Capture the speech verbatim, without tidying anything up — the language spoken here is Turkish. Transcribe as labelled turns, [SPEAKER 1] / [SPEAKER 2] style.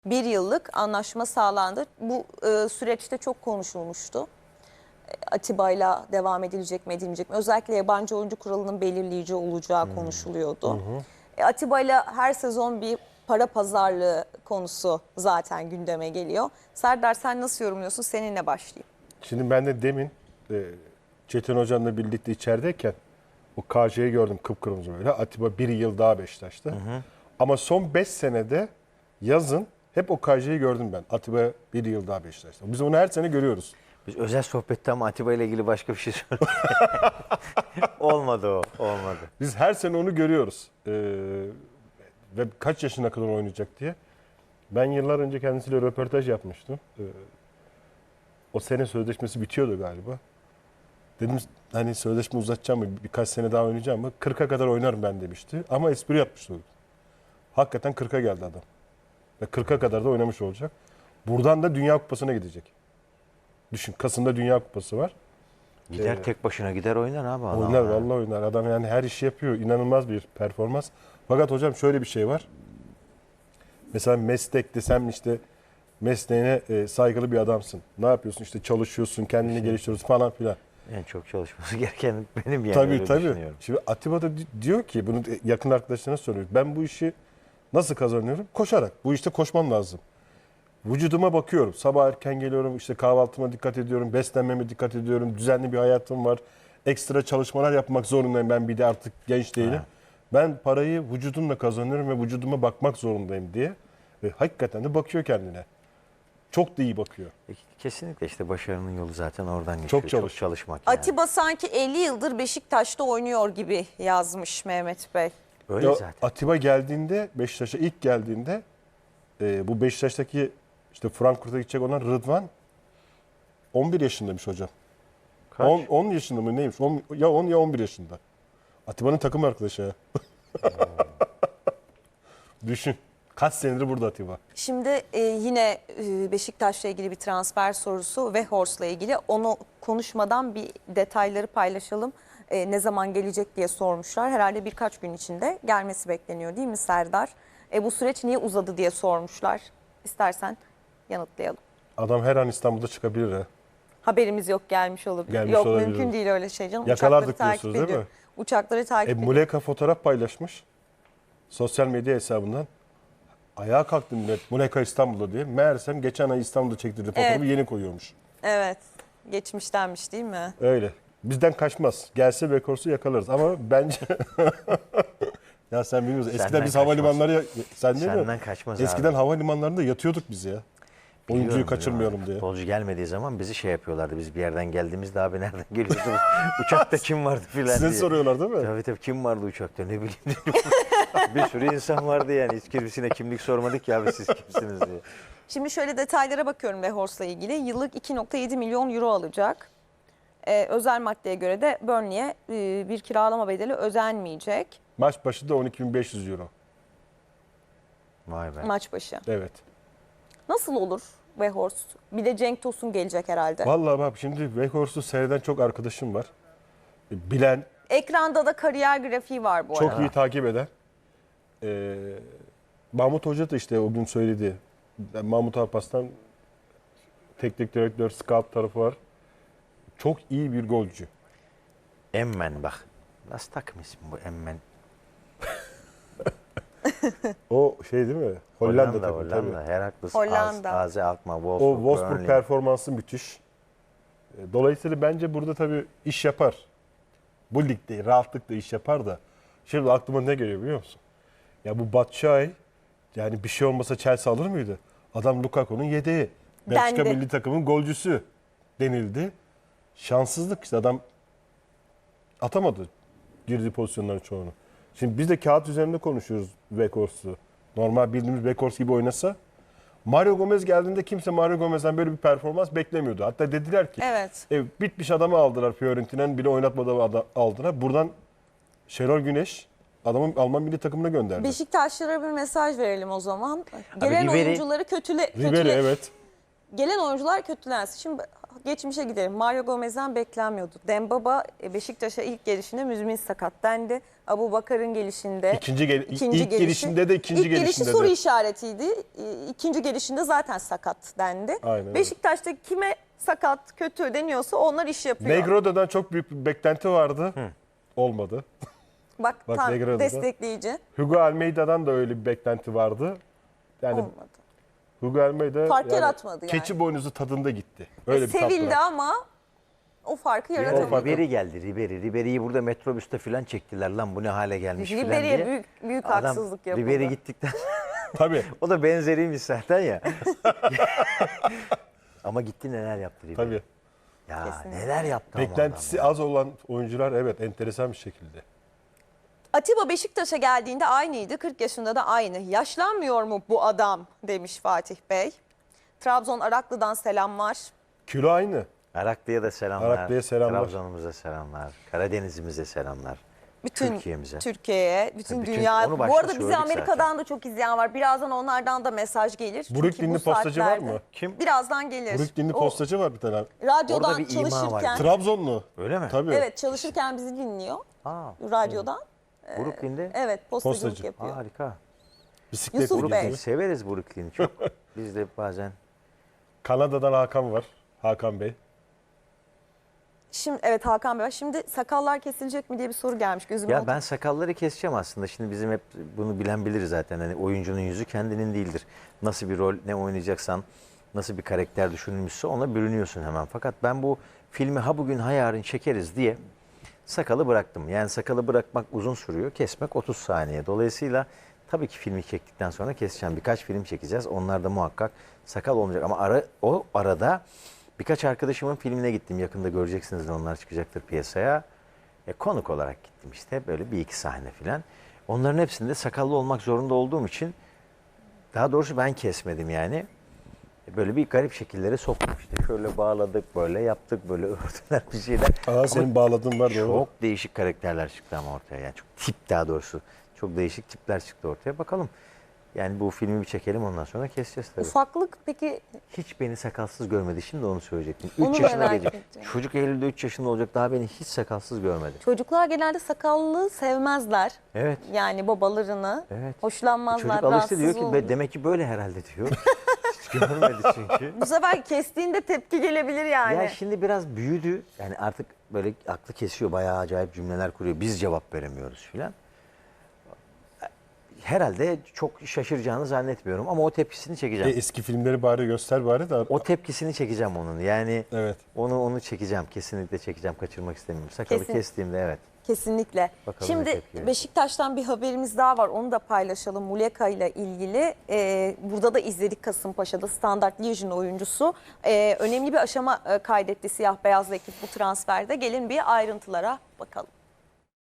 [SPEAKER 1] Bir yıllık anlaşma sağlandı. Bu e, süreçte çok konuşulmuştu. E, Atiba'yla devam edilecek mi edilecek mi? Özellikle yabancı oyuncu kuralının belirleyici olacağı hmm. konuşuluyordu. Hı hı. E, Atiba'yla her sezon bir para pazarlığı konusu zaten gündeme geliyor. Serdar, sen nasıl yorumluyorsun? Seninle başlayayım.
[SPEAKER 2] Şimdi ben de demin e, Çetin Hocam'la birlikte içerideyken o K J'yi gördüm kıpkırmızı böyle. Atiba bir yıl daha Beşiktaş'ta. Hı hı. Ama son beş senede yazın hep o K J'yi gördüm ben. Atiba bir yıl daha Beşiktaş'ta. Biz onu her sene görüyoruz.
[SPEAKER 3] Biz özel sohbette ama Atiba ile ilgili başka bir şey söyledik. Olmadı o, olmadı.
[SPEAKER 2] Biz her sene onu görüyoruz. Ee, ve kaç yaşına kadar oynayacak diye. Ben yıllar önce kendisiyle röportaj yapmıştım. Ee, o sene sözleşmesi bitiyordu galiba. Dedim hani sözleşme uzatacağım mı, birkaç sene daha oynayacağım mı? kırka kadar oynarım ben demişti. Ama espri yapmıştı. Hakikaten kırka geldi adam. Ve kırka kadar da oynamış olacak. Buradan da Dünya Kupası'na gidecek. Düşün, Kasım'da Dünya Kupası var.
[SPEAKER 3] Gider ee, tek başına gider oynar abi adam.
[SPEAKER 2] Oynar, vallahi oynar. Adam yani her işi yapıyor. İnanılmaz bir performans. Fakat hocam şöyle bir şey var. Mesela meslek desem işte mesleğine e, saygılı bir adamsın. Ne yapıyorsun? İşte çalışıyorsun, kendini Kesin. geliştiriyorsun falan filan.
[SPEAKER 3] En çok çalışması gereken benim yani.
[SPEAKER 2] Tabii tabii. Şimdi Atiba da diyor ki, bunu yakın arkadaşlarına soruyor. Ben bu işi nasıl kazanıyorum? Koşarak. Bu işte koşmam lazım. Vücuduma bakıyorum. Sabah erken geliyorum, işte kahvaltıma dikkat ediyorum, beslenmeme dikkat ediyorum, düzenli bir hayatım var. Ekstra çalışmalar yapmak zorundayım, ben bir de artık genç değilim. Ha. Ben parayı vücudumla kazanıyorum ve vücuduma bakmak zorundayım diye. Ve hakikaten de bakıyor kendine. Çok da iyi bakıyor.
[SPEAKER 3] Kesinlikle işte başarının yolu zaten oradan geçiyor.
[SPEAKER 2] Çok, çalış.
[SPEAKER 3] Çok çalışmak yani.
[SPEAKER 1] Atiba sanki elli yıldır Beşiktaş'ta oynuyor gibi yazmış Mehmet Bey.
[SPEAKER 3] Öyle
[SPEAKER 2] ya,
[SPEAKER 3] zaten.
[SPEAKER 2] Atiba geldiğinde, Beşiktaş'a ilk geldiğinde e, bu Beşiktaş'taki işte Frankfurt'a gidecek olan Rıdvan on bir yaşındaymış hocam.
[SPEAKER 3] Kaç?
[SPEAKER 2] on, on yaşında mı neymiş? on, ya on ya on bir yaşında. Atiba'nın takım arkadaşı ya. Düşün. Kaç senedir burada Atiba.
[SPEAKER 1] Şimdi e, yine e, Beşiktaş'la ilgili bir transfer sorusu ve Weghorst'la ilgili. Onu konuşmadan bir detayları paylaşalım. E, ne zaman gelecek diye sormuşlar. Herhalde birkaç gün içinde gelmesi bekleniyor değil mi Serdar? E, bu süreç niye uzadı diye sormuşlar. İstersen yanıtlayalım.
[SPEAKER 2] Adam her an İstanbul'da çıkabilir ha.
[SPEAKER 1] Haberimiz yok, gelmiş olabilir.
[SPEAKER 2] Gelmiş
[SPEAKER 1] yok
[SPEAKER 2] olabilir.
[SPEAKER 1] Mümkün değil öyle şey canım.
[SPEAKER 2] Yakalardık
[SPEAKER 1] Uçakları takip
[SPEAKER 2] diyorsunuz değil mi?
[SPEAKER 1] Uçakları takip
[SPEAKER 2] e,
[SPEAKER 1] ediyor.
[SPEAKER 2] Muleka fotoğraf paylaşmış. Sosyal medya hesabından. Ayağa kalktı millet. Muleka İstanbul'da diye. Meğersem geçen ay İstanbul'da çektirdiği fotoğrafı evet. yeni koyuyormuş.
[SPEAKER 1] Evet. Geçmiştenmiş değil mi?
[SPEAKER 2] Öyle. Bizden kaçmaz. Gelse Weghorst'u yakalarız ama bence... ya sen bilmiyorsun. Eskiden Senden biz kaçmaz. havalimanları... Sen değil
[SPEAKER 3] Senden
[SPEAKER 2] mi?
[SPEAKER 3] kaçmaz
[SPEAKER 2] Eskiden
[SPEAKER 3] abi.
[SPEAKER 2] havalimanlarında yatıyorduk biz ya. Oyuncuyu
[SPEAKER 3] Biliyorum,
[SPEAKER 2] kaçırmayalım
[SPEAKER 3] biliyorum.
[SPEAKER 2] diye.
[SPEAKER 3] Futbolcu gelmediği zaman bizi şey yapıyorlardı. Biz bir yerden geldiğimizde abi nereden geliyorsunuz? Uçakta kim vardı filan diye.
[SPEAKER 2] Size soruyorlar değil mi?
[SPEAKER 3] Tabii tabii, kim vardı uçakta ne bileyim. Bir sürü insan vardı yani. Hiç kimsine kimlik sormadık ya abi siz kimsiniz diye.
[SPEAKER 1] Şimdi şöyle detaylara bakıyorum Weghorst'la ilgili. Yıllık iki nokta yedi milyon euro alacak. Ee, özel maddeye göre de Burnley'e e, bir kiralama bedeli ödenmeyecek.
[SPEAKER 2] Maç başı da on iki bin beş yüz euro.
[SPEAKER 3] Vay be.
[SPEAKER 1] Maç başı.
[SPEAKER 2] Evet.
[SPEAKER 1] Nasıl olur Weghorst? Bir de Cenk Tosun gelecek herhalde.
[SPEAKER 2] Vallahi bak şimdi Weghorst'u seyreden çok arkadaşım var. Bilen.
[SPEAKER 1] Ekranda da kariyer grafiği var bu
[SPEAKER 2] çok
[SPEAKER 1] arada.
[SPEAKER 2] Çok iyi takip eden. Ee, Mahmut Hoca da işte o gün söyledi. Mahmut Alparslan teknik direktör, scout tarafı var. Çok iyi bir golcü.
[SPEAKER 3] Emmen bak. Nasıl takım ismi bu Emmen?
[SPEAKER 2] O şey değil mi? Hollanda,
[SPEAKER 3] Hollanda
[SPEAKER 2] takım
[SPEAKER 3] Hollanda.
[SPEAKER 2] tabii.
[SPEAKER 1] Heracles, Hollanda.
[SPEAKER 3] Az, Aze Alkmaar, Wolfsburg,
[SPEAKER 2] o Wolfsburg
[SPEAKER 3] Burnley.
[SPEAKER 2] performansı müthiş. Dolayısıyla bence burada tabii iş yapar. Bu ligde rahatlıkla iş yapar da. Şimdi aklıma ne geliyor biliyor musun? Ya bu Batshuayi yani bir şey olmasa Chelsea alır mıydı? Adam Lukaku'nun yedeği. Belçika milli takımın golcüsü denildi. Şanssızlık işte, adam atamadı girdiği pozisyonların çoğunu. Şimdi biz de kağıt üzerinde konuşuyoruz Weghorst'u. Normal bildiğimiz Weghorst gibi oynasa. Mario Gomez geldiğinde kimse Mario Gomez'den böyle bir performans beklemiyordu. Hatta dediler ki
[SPEAKER 1] evet.
[SPEAKER 2] e, bitmiş adamı aldılar, Fiorentina'nın bile oynatmadan aldılar. Buradan Şenol Güneş adamın Alman milli takımına gönderdi.
[SPEAKER 1] Beşiktaşlara bir mesaj verelim o zaman. Gelen
[SPEAKER 3] Ribery,
[SPEAKER 1] oyuncuları kötüle, kötüle
[SPEAKER 2] Ribery evet.
[SPEAKER 1] Gelen oyuncular kötülensin. Şimdi geçmişe gidelim. Mario Gomez'den beklenmiyordu. Dembaba e, Beşiktaş'a ilk gelişinde müzmin sakat dendi. Abubakar'ın gelişinde
[SPEAKER 2] İkinci gel-
[SPEAKER 1] ikinci
[SPEAKER 2] ilk gelişinde de ikinci
[SPEAKER 1] ilk gelişi
[SPEAKER 2] gelişinde
[SPEAKER 1] soru
[SPEAKER 2] de.
[SPEAKER 1] işaretiydi. E, İkinci gelişinde zaten sakat dendi.
[SPEAKER 2] Aynen öyle.
[SPEAKER 1] Beşiktaş'ta kime sakat, kötü deniyorsa onlar iş yapıyor.
[SPEAKER 2] Negro'dan çok büyük bir beklenti vardı. Olmadı.
[SPEAKER 1] Bak,
[SPEAKER 2] Bak
[SPEAKER 1] tam
[SPEAKER 2] Negro'da da.
[SPEAKER 1] destekleyici.
[SPEAKER 2] Hugo Almeida'dan da öyle bir beklenti vardı. Yani
[SPEAKER 1] Olmadı.
[SPEAKER 2] Hugo Almeida
[SPEAKER 1] Fark yaratmadı yani.
[SPEAKER 2] keçi boynuzu tadında gitti. Öyle
[SPEAKER 1] E,
[SPEAKER 2] bir tat
[SPEAKER 1] sevildi
[SPEAKER 2] bıraktı.
[SPEAKER 1] ama o farkı
[SPEAKER 3] O
[SPEAKER 1] yaratamadı.
[SPEAKER 3] Ribery geldi Ribery. Ribery'yi burada metrobüste falan çektiler lan bu ne hale gelmiş falan diye.
[SPEAKER 1] Ribery'e büyük, büyük
[SPEAKER 3] Adam
[SPEAKER 1] haksızlık yapıldı.
[SPEAKER 3] Ribery gittikten
[SPEAKER 2] Tabii.
[SPEAKER 3] o da benzeriymiş zaten ya. Ama gitti neler yaptı Ribery.
[SPEAKER 2] Tabii.
[SPEAKER 3] Ya
[SPEAKER 1] Kesinlikle.
[SPEAKER 3] neler yaptı ama
[SPEAKER 2] Beklentisi
[SPEAKER 3] adam ya.
[SPEAKER 2] az olan oyuncular evet enteresan bir şekilde.
[SPEAKER 1] Atiba Beşiktaş'a geldiğinde aynıydı. kırk yaşında da aynı. Yaşlanmıyor mu bu adam demiş Fatih Bey. Trabzon Araklı'dan selamlar.
[SPEAKER 2] Kilo aynı.
[SPEAKER 3] Araklı'ya da selamlar.
[SPEAKER 2] Araklı'ya selamlar.
[SPEAKER 3] Trabzon'umuza selamlar. Karadeniz'imize selamlar.
[SPEAKER 1] Bütün
[SPEAKER 3] Türkiye'mize.
[SPEAKER 1] Türkiye'ye, bütün
[SPEAKER 3] Bütün-
[SPEAKER 1] dünya.
[SPEAKER 3] onu
[SPEAKER 1] Bu
[SPEAKER 3] başta
[SPEAKER 1] arada bizi
[SPEAKER 3] söyledik
[SPEAKER 1] Amerika'dan
[SPEAKER 3] zaten.
[SPEAKER 1] da çok izleyen var. Birazdan onlardan da mesaj gelir. Çünkü
[SPEAKER 2] Brooklyn'li
[SPEAKER 1] bu
[SPEAKER 2] postacı var
[SPEAKER 1] saatlerde-
[SPEAKER 2] mı?
[SPEAKER 3] Kim?
[SPEAKER 1] Birazdan gelir.
[SPEAKER 2] Brooklyn'li
[SPEAKER 1] O
[SPEAKER 2] postacı var bir tane.
[SPEAKER 1] Radyodan
[SPEAKER 3] Orada bir ima var.
[SPEAKER 1] çalışırken.
[SPEAKER 2] Trabzonlu.
[SPEAKER 3] Öyle mi?
[SPEAKER 2] Tabii.
[SPEAKER 1] Evet, çalışırken bizi dinliyor.
[SPEAKER 3] Aa,
[SPEAKER 1] Radyodan.
[SPEAKER 3] Brooklyn'de.
[SPEAKER 1] Evet, postacılık
[SPEAKER 2] Postacı.
[SPEAKER 1] yapıyor.
[SPEAKER 3] Harika.
[SPEAKER 2] Bisiklet
[SPEAKER 1] Yusuf
[SPEAKER 2] ilgili.
[SPEAKER 1] Bey.
[SPEAKER 3] Brooklyn, severiz Brooklyn'i çok. Biz de bazen.
[SPEAKER 2] Kanada'dan Hakan var. Hakan Bey.
[SPEAKER 1] Şimdi evet Hakan Bey. Şimdi sakallar kesilecek mi diye bir soru gelmiş gözüme.
[SPEAKER 3] Ya
[SPEAKER 1] oldu.
[SPEAKER 3] ben sakalları keseceğim aslında. Şimdi bizim hep bunu bilen bilir zaten. Hani oyuncunun yüzü kendinin değildir. Nasıl bir rol ne oynayacaksan, nasıl bir karakter düşünülmüşse ona bürünüyorsun hemen. Fakat ben bu filmi ha bugün ha yarın çekeriz diye sakalı bıraktım. Yani sakalı bırakmak uzun sürüyor, kesmek otuz saniye. Dolayısıyla tabii ki filmi çektikten sonra keseceğim. Birkaç film çekeceğiz. Onlarda muhakkak sakal olmayacak. Ama ara, o arada birkaç arkadaşımın filmine gittim. Yakında göreceksiniz de onlar çıkacaktır piyasaya. E, konuk olarak gittim işte. Böyle bir iki sahne filan. Onların hepsinde sakallı olmak zorunda olduğum için daha doğrusu ben kesmedim yani. E, Böyle bir garip şekillere soktuk işte. Şöyle bağladık, böyle yaptık, böyle ördüler bir şeyler.
[SPEAKER 2] Aa
[SPEAKER 3] Ama
[SPEAKER 2] senin bağladığın var doğru.
[SPEAKER 3] çok değişik karakterler çıktı ama ortaya. Yani çok tip daha doğrusu. Çok değişik tipler çıktı ortaya. Bakalım. Yani bu filmi bir çekelim ondan sonra keseceğiz tabii.
[SPEAKER 1] Ufaklık peki
[SPEAKER 3] Hiç beni sakalsız görmedi. Şimdi onu söyleyecektim.
[SPEAKER 1] Onu
[SPEAKER 3] üç
[SPEAKER 1] da
[SPEAKER 3] yaşına
[SPEAKER 1] merak
[SPEAKER 3] gelecek.
[SPEAKER 1] ettim.
[SPEAKER 3] Çocuk Eylül'de üç yaşında olacak. Daha beni hiç sakalsız görmedi.
[SPEAKER 1] çocuklar genelde sakallı sevmezler.
[SPEAKER 3] Evet.
[SPEAKER 1] Yani babalarını.
[SPEAKER 3] Evet.
[SPEAKER 1] Hoşlanmazlar,
[SPEAKER 3] Çocuk alıştı
[SPEAKER 1] rahatsız
[SPEAKER 3] diyor ki
[SPEAKER 1] olur.
[SPEAKER 3] "Be- demek ki böyle herhalde diyor. Hiç görmedi çünkü.
[SPEAKER 1] Bu sefer kestiğinde tepki gelebilir yani.
[SPEAKER 3] Ya şimdi biraz büyüdü. Yani artık böyle aklı kesiyor. Bayağı acayip cümleler kuruyor. Biz cevap veremiyoruz filan. Herhalde çok şaşıracağını zannetmiyorum ama o tepkisini
[SPEAKER 2] E,
[SPEAKER 3] çekeceğim.
[SPEAKER 2] eski filmleri bari göster bari de.
[SPEAKER 3] O tepkisini çekeceğim onun. Yani
[SPEAKER 2] Evet.
[SPEAKER 3] onu onu çekeceğim. Kesinlikle çekeceğim. Kaçırmak istemiyorum. Sakalı
[SPEAKER 1] Kesin.
[SPEAKER 3] kestiğimde evet.
[SPEAKER 1] Kesinlikle.
[SPEAKER 3] Bakalım ne
[SPEAKER 1] Şimdi
[SPEAKER 3] tepki verecek.
[SPEAKER 1] Beşiktaş'tan bir haberimiz daha var. Onu da paylaşalım. Muleka ile ilgili. Ee, burada da izledik Kasımpaşa'da Standart Liège'in oyuncusu. Ee, önemli bir aşama e, kaydetti siyah beyazlı ekip bu transferde. Gelin bir ayrıntılara bakalım.